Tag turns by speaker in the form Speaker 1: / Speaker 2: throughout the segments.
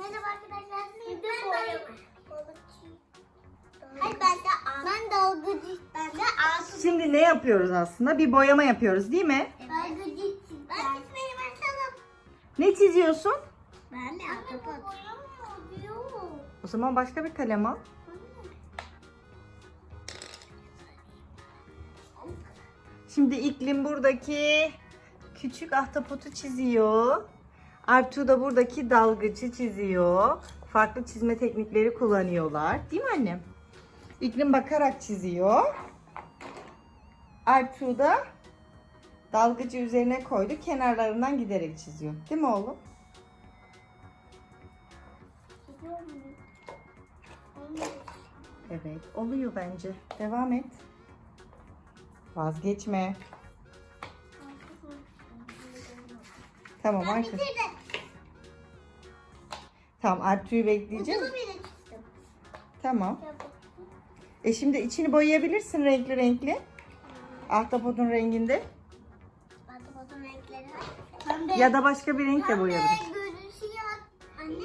Speaker 1: Merhaba arkadaşlar. Şimdi hayır ben dalgıcı. Ben de altı.
Speaker 2: Şimdi ne yapıyoruz aslında? Bir boyama yapıyoruz değil mi?
Speaker 1: Dalgıcı. Ben çizmeye başladım.
Speaker 2: Ne çiziyorsun?
Speaker 1: Ben de ahtapot.
Speaker 2: O zaman başka bir kalem al. Şimdi İklim buradaki küçük ahtapotu çiziyor. Artu da buradaki dalgıcı çiziyor. Farklı çizme teknikleri kullanıyorlar. Değil mi annem? İklim bakarak çiziyor. Artu da dalgıcı üzerine koydu. Kenarlarından giderek çiziyor. Değil mi oğlum? Evet, oluyor bence. Devam et. Vazgeçme. Tamam
Speaker 1: Ben
Speaker 2: artık.
Speaker 1: bitirdim.
Speaker 2: Tamam, Artu'yu bekleyeceğim.
Speaker 1: Ucunu bile çizdim.
Speaker 2: Tamam. Şimdi içini boyayabilirsin renkli renkli. Ahtapotun renginde.
Speaker 1: Ahtapotun renkleri var. Pembe.
Speaker 2: Ya da başka bir renkle boyayabilirsin.
Speaker 1: Pembe, gözü siyah. Anne.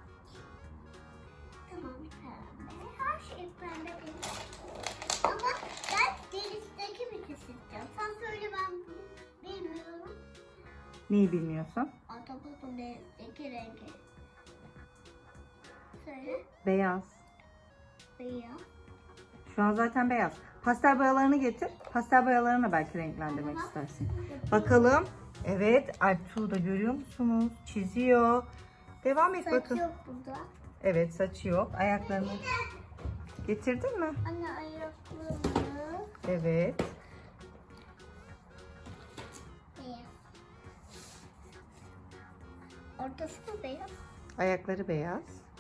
Speaker 1: Tamam pembe. Her şey pembe benim. Ama ben denizdeki bir çizeceğim. Sen söyle ben bilmiyorum.
Speaker 2: Neyi bilmiyorsun?
Speaker 1: Ahtapotun denizdeki rengi. Söyle.
Speaker 2: Beyaz.
Speaker 1: Beyaz.
Speaker 2: Şu an zaten beyaz. Pastel boyalarını getir. Pastel boyalarını belki renklendirmek istersin. Bakalım. Evet, Artu da görüyor musunuz? Çiziyor. Devam et
Speaker 1: Saç
Speaker 2: bakın.
Speaker 1: yok burada.
Speaker 2: Evet, saçı yok. Ayaklarını getirdin mi?
Speaker 1: Anne ayakları.
Speaker 2: Evet.
Speaker 1: Beyaz. Ortası da beyaz.
Speaker 2: Ayakları beyaz.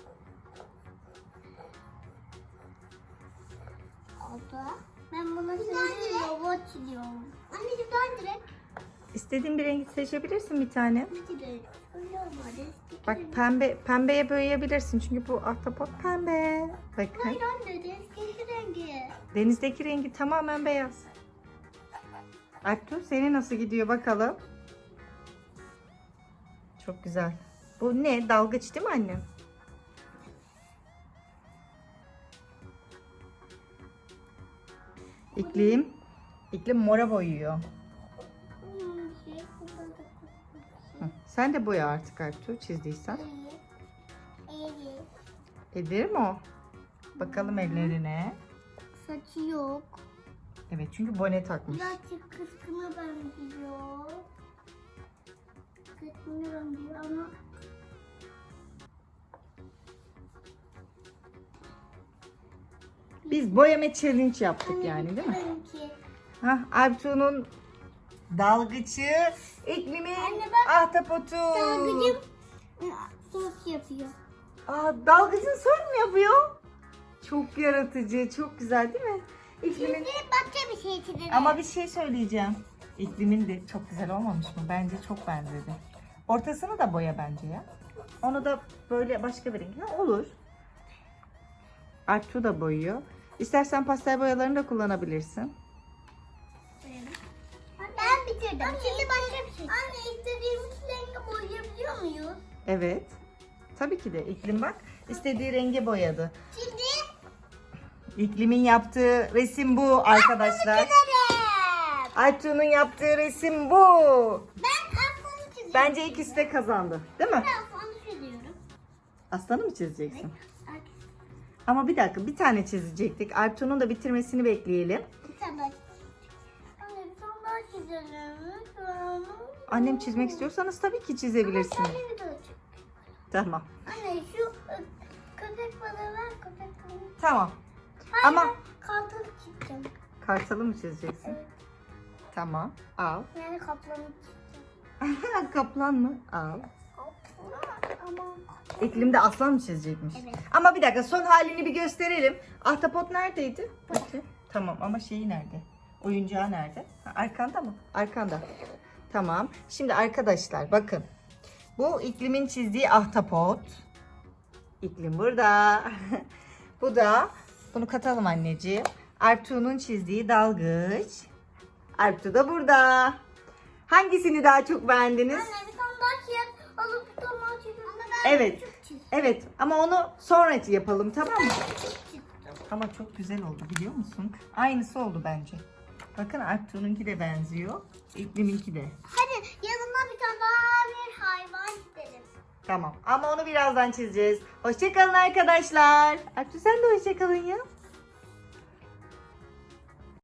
Speaker 1: Oldu. Ben bunu şimdi robot çiziyorum. Anneciğim ben direkt.
Speaker 2: İstediğin bir rengi seçebilirsin bir tane.
Speaker 1: Direkt. Öyle olmadı.
Speaker 2: Bak pembeye boyayabilirsin çünkü bu ahtapot pembe. Bakın.
Speaker 1: Hayır anne denizdeki rengi.
Speaker 2: Denizdeki rengi tamamen beyaz. Artu seni nasıl gidiyor bakalım. Çok güzel. Bu ne? Dalgıç değil mi annem? İklim mora boyuyor. Hı, sen de boya artık Artu çizdiysen. Edir mi o? Bakalım ellerine.
Speaker 1: Saçı yok.
Speaker 2: Evet çünkü bone takmış.
Speaker 1: Birazcık kıskına benziyor. Kıskına benziyor ama
Speaker 2: Biz boyama challenge yaptık yani değil mi?
Speaker 1: Benimki.
Speaker 2: Hah, Artu'nun dalgıcı, İklim'in
Speaker 1: Anne bak,
Speaker 2: ahtapotu.
Speaker 1: Dalgıcım sos yapıyor.
Speaker 2: Dalgıcın sorun mu yapıyor? Çok yaratıcı, çok güzel değil mi? İklim'in...
Speaker 1: Şimdi başka bir şey çizelim.
Speaker 2: Ama bir şey söyleyeceğim. İklim'in de çok güzel olmamış mı? Bence çok benzedi. Ortasını da boya bence ya. Onu da böyle başka bir renk. Ha, olur. Artu da boyuyor. İstersen pastel boyalarını da kullanabilirsin.
Speaker 1: Ben bitirdim. Şimdi başka bir şey. Anne istediğimiz rengi boyayabiliyor muyuz?
Speaker 2: Evet. Tabii ki de İklim bak istediği renge boyadı.
Speaker 1: Şimdi
Speaker 2: İklim'in yaptığı resim bu arkadaşlar.
Speaker 1: çizelim.
Speaker 2: Artu'nun yaptığı resim bu.
Speaker 1: Ben aslanı çiziyorum.
Speaker 2: Bence ikisi de kazandı. Değil mi?
Speaker 1: Ben aslanı çiziyorum.
Speaker 2: Aslanı mı çizeceksin?
Speaker 1: Evet.
Speaker 2: Ama bir dakika bir tane çizecektik. Artu'nun da bitirmesini bekleyelim.
Speaker 1: Bir tane daha çizelim. Anne bir tane daha çizelim. Lütfen.
Speaker 2: Annem çizmek istiyorsanız tabii ki çizebilirsiniz.
Speaker 1: Anne bir daha çiz.
Speaker 2: Tamam.
Speaker 1: Anne şu köpek balığı ver köpek balığı.
Speaker 2: Tamam.
Speaker 1: Hayır,
Speaker 2: Ama
Speaker 1: ben kartal çizeceğim.
Speaker 2: kartalı mı çizeceksin?
Speaker 1: Evet.
Speaker 2: Tamam. Al.
Speaker 1: Yani kaplanı çizeceğim.
Speaker 2: Kaplan mı? Al.
Speaker 1: Ama
Speaker 2: İklimde aslan mı çizecekmiş?
Speaker 1: Evet.
Speaker 2: Ama bir dakika son halini bir gösterelim. Ahtapot neredeydi? Bakın. Tamam ama şeyi nerede? Oyuncağı nerede? Ha, arkanda mı? Arkanda. Tamam. Şimdi arkadaşlar bakın. Bu İklim'in çizdiği ahtapot. İklim burada. Bu da bunu katalım anneciğim. Artu'nun çizdiği dalgıç. Artu da burada. Hangisini daha çok beğendiniz?
Speaker 1: anne bir tane daha çiz. Alıp bir tane daha çizelim.
Speaker 2: Evet. Evet ama onu sonra yapalım, tamam mı?
Speaker 1: Çıktım.
Speaker 2: Ama çok güzel oldu biliyor musun? Aynısı oldu bence. Bakın Artu'nunki de benziyor. İklim'inki de.
Speaker 1: Hadi yanıma bir tane daha bir hayvan çizelim.
Speaker 2: Tamam ama onu birazdan çizeceğiz. Hoşçakalın arkadaşlar. Artu sen de hoşçakalın ya.